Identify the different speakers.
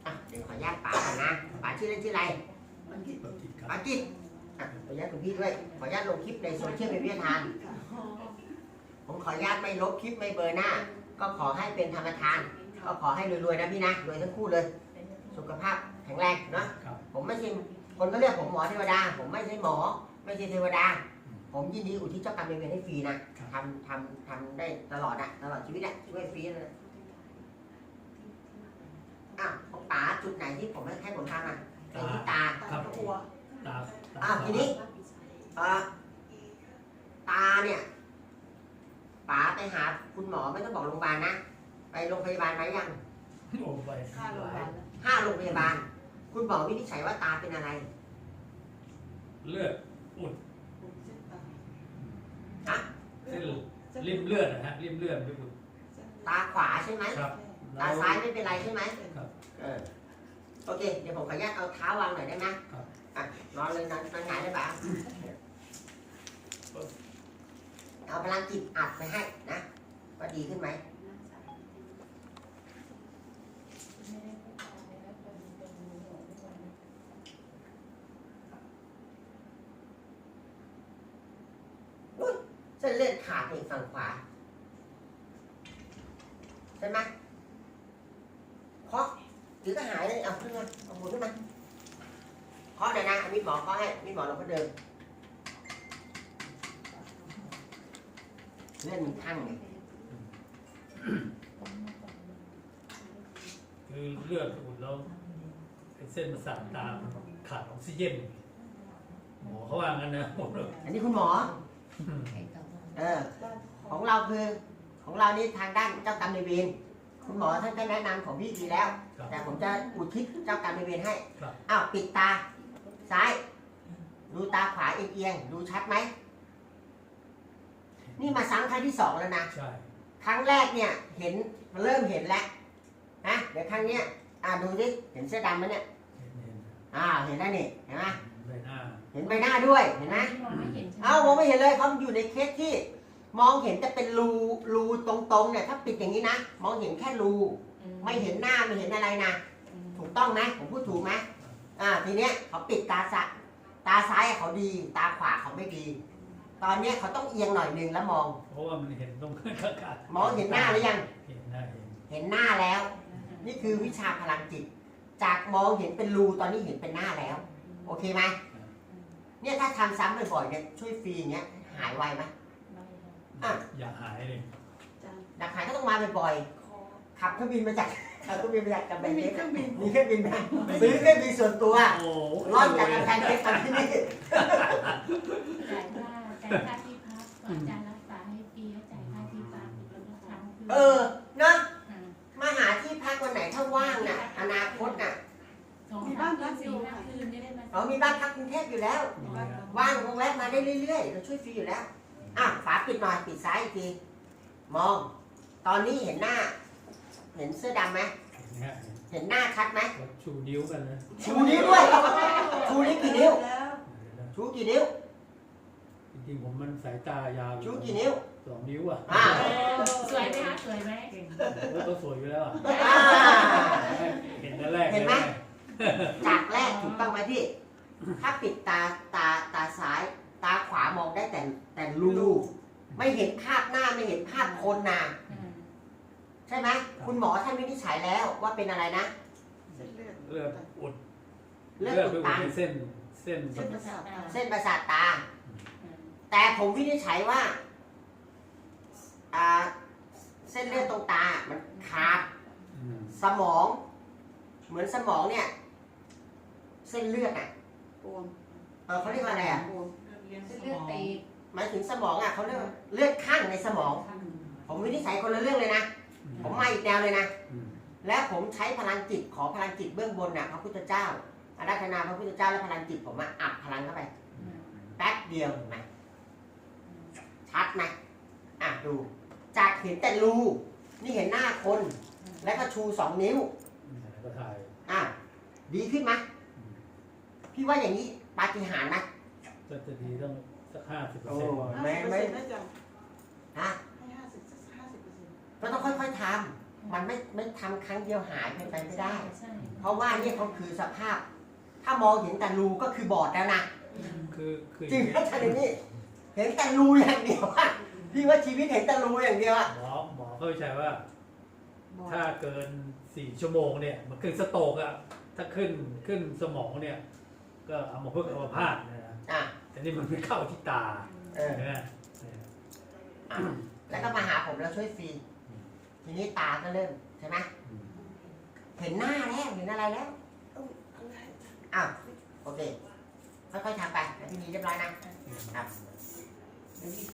Speaker 1: เดี๋ยวขออนุญาตป๋าก่อนนะป๋าชื่อเล่นชื่ออะไรป๋ากิจขออนุญาตคุณพี่ด้วยขออนุญาตลงคลิปในโซเชียลเป็นวิทยาทานผมขออนุญาตไม่ลบคลิปไม่เบอร์หน้าก็ขอให้เป็นธรรมทานก็ขอให้รวยๆนะพี่นะรวยทั้งคู่เลยสุขภาพแข็งแรงเนาะผมไม่ใช่คนก็เรียกผมหมอเทวดาผมไม่ใช่หมอไม่ใช่เทวดาผมยินดีอุทิศเจ้ากรรมนายเวรให้ฟรีนะทำได้ตลอดตลอดชีวิตช่วยฟรีเลยของป๋าจุดไหนที่ผมให้ผมทำเป็นที่ตาหัวทีนี้ตาเนี่ยป๋าไปหาคุณหมอไม่ต้องบอกโรงพยาบาลนะไปโรงพยาบาลไหมยัง5 โรงพยาบาลคุณหมอวินิจฉัยว่าตาเป็นอะไร
Speaker 2: เลือดอุดเส้นริมเลือดนะฮะริมเลือดไม่อุด
Speaker 1: ตาขวาใช่ไหมตาซ้ายไม่เป็นไรใช่ไหมโอเคเดี๋ยวผมขออนุญาตเอาเท้าวางหน่อยได้ไหมนอนเลยนอนหงายได้ปะเอาพลังจิตอัดไปให้นะว่าดีขึ้นไหมเส้นเลือดขาดในฝั่งขวาใช่ไหมเคาะหรือก็หายเลยเอาขึ้นมาเอาหมุนขึ้นมาเคาะเลยนะมีหมอเคาะให้มีหมอเราก็เดินเลือดมันคั่งเลย
Speaker 2: คือเลือดอุดแล้วเส้นประสาทตาขาดออกซิเจนหมอเขาว่างั้นนะ
Speaker 1: อันนี้คุณหมอของเราคือของเรานี่ทางด้านเจ้ากรรมนายเวรคุณหมอท่านก็แนะนำของพี่ดีแล้วแต่ผมจะอุทิศเจ้ากรรมนายเวรให้ปิดตาซ้ายดูตาขวาเอียงดูชัดไหมนี่มาซ้ำครั้งที่2แล้วนะครั้งแรกเนี่ยเห็นเริ่มเห็นแล้วนะเดี๋ยวครั้งเนี้ยดูดิเห็นเสื้อดำไหมเนี่ยเห็นแล้วนี่เห็นไหมเห็นใบหน้าด้วยเห็นไหมมองไม่เห็นเลยเขาอยู่ในเคสที่มองเห็นจะเป็นรูตรงๆเนี่ยถ้าปิดอย่างนี้นะมองเห็นแค่รูไม่เห็นหน้าไม่เห็นอะไรนะถูกต้องไหมผมพูดถูกไหมทีเนี้ยเขาปิดตาซ้ายเขาดีตาขวาเขาไม่ดีตอนนี้เขาต้องเอียงหน่อยนึงแล้วมอง
Speaker 2: เพราะว่ามันเห็นตรง
Speaker 1: มองเห็นหน้าหรือยัง
Speaker 2: เห็น
Speaker 1: หน้าแล้วนี่คือวิชาพลังจิตจากมองเห็นเป็นรูตอนนี้เห็นเป็นหน้าแล้วโอเคไหมเนี่ยถ้าทำซ้ำบ่อยๆเนี่ยช่วยฟรีอย่างเงี้ยหายไวไหม
Speaker 2: อยากหายเลย
Speaker 1: อยากหายก็ต้องมาบ่อยๆขับเครื่องบินมาจากกับแบงค์มีเครื่องบินไหมซื้อเครื่องบินส่วนตัวร่อนจากกำแพงเพชรมาที่นี่
Speaker 3: จ่ายค่าที่พักอาจารย์รักษาให้ฟรีจ่ายค่าที่พัก
Speaker 1: นะมาหาที่พักวันไหนถ้าว่างน่ะอนาคตน่ะ
Speaker 3: มีบ้านพักอยู่คืนได้ไหม
Speaker 1: มีบ้านพักกรุงเทพอยู่แล้วว่างก็แวะมาได้เรื่อยๆเราช่วยฟรีอยู่แล้วฝาปิดหน่อยปิดซ้ายอีกทีมองตอนนี้เห็นหน้าเห็นเสื้อดำไหมเห็นหน้าชัดไหม
Speaker 2: ชูนิ้วกันนะ
Speaker 1: ชูนิ้วด้วยชูนิ้วกี่นิ้วชูกี่นิ้ว
Speaker 2: จริงๆผมมันสายตายาว
Speaker 1: ชูกี่นิ้ว
Speaker 2: 2 นิ้ว
Speaker 3: สวยไหมคะสวยไหม
Speaker 2: ก็สวยอยู่แล้วเห็นแรก
Speaker 1: เห็นไหมจากแรกถูกต้องไหมพี่ถ้าปิดตาซ้ายตาขวามองได้แต่รูไม่เห็นภาพหน้าไม่เห็นภาพคนนะใช่ไหมคุณหมอท่านวินิจฉัยแล้วว่าเป็นอะไรนะ
Speaker 2: เลือดอุด
Speaker 1: ตัน
Speaker 2: เส้น
Speaker 1: ประสาทตาแต่ผมวินิจฉัยว่าเส้นเลือดตรงตามันขาดสมองเหมือนสมองเนี่ยเส้นเลือดเขาเรียกว่าอะไร
Speaker 3: เส้นเลือดตีบ
Speaker 1: หมายถึงสมองเขาเรียกเลือดข้างในสมองผมวินิจฉัยคนละเรื่องเลยนะผมมาอีกแนวเลยนะและผมใช้พลังจิตขอพลังจิตเบื้องบนพระพุทธเจ้าอาราธนาพระพุทธเจ้าและพลังจิตผมอัดพลังเข้าไปแป๊บเดียวเห็นไหมชัดไหมดูจากเห็นแต่รูนี่เห็นหน้าคนแล้วก็ชู2 นิ้ว
Speaker 2: ก็ถ่
Speaker 1: ายดีขึ้นไหมพี่ว่าอย่างนี้ปาฏิหาริย์ไหม
Speaker 2: จะดีต้องสัก50%
Speaker 1: ไม่ก็ต้องค่อยๆทมันไม่ทำครั้งเดียวหายไปไม่ได้
Speaker 3: ใช่
Speaker 1: เพราะว่านี่เขาคือสภาพ ถ้ามองเห็นแต่รูก็คือบอดแล้วนะ
Speaker 2: คือ
Speaker 1: จริงนะท่านนี่เห็นแต่รูอย่างเดียวอะพี่ว่าชีวิตเห็นแต่รูอย่างเดียวอะ
Speaker 2: หมอเข้าใจว่า ถ้าเกิน4 ชั่วโมงเนี่ยมันขึ้นสโตรกอะถ้าขึ้นสมองเนี่ย ก็เอามาเพื่ออัมพาตนะ
Speaker 1: อ่ะ
Speaker 2: แต่นี่มันไม่เข้าที่ตา
Speaker 1: เออ
Speaker 2: นะ
Speaker 1: อ่ะแล้วก็มาหาผมแล้วช่วยฟรีทีนี้ตาก็เริ่มใช่ไหมเห็นหน้าแล้วเห็นอะไรแล้วอ้าวโอเคค่อยๆทำไปแล้วพี่นีเรียบร้อยนะครับ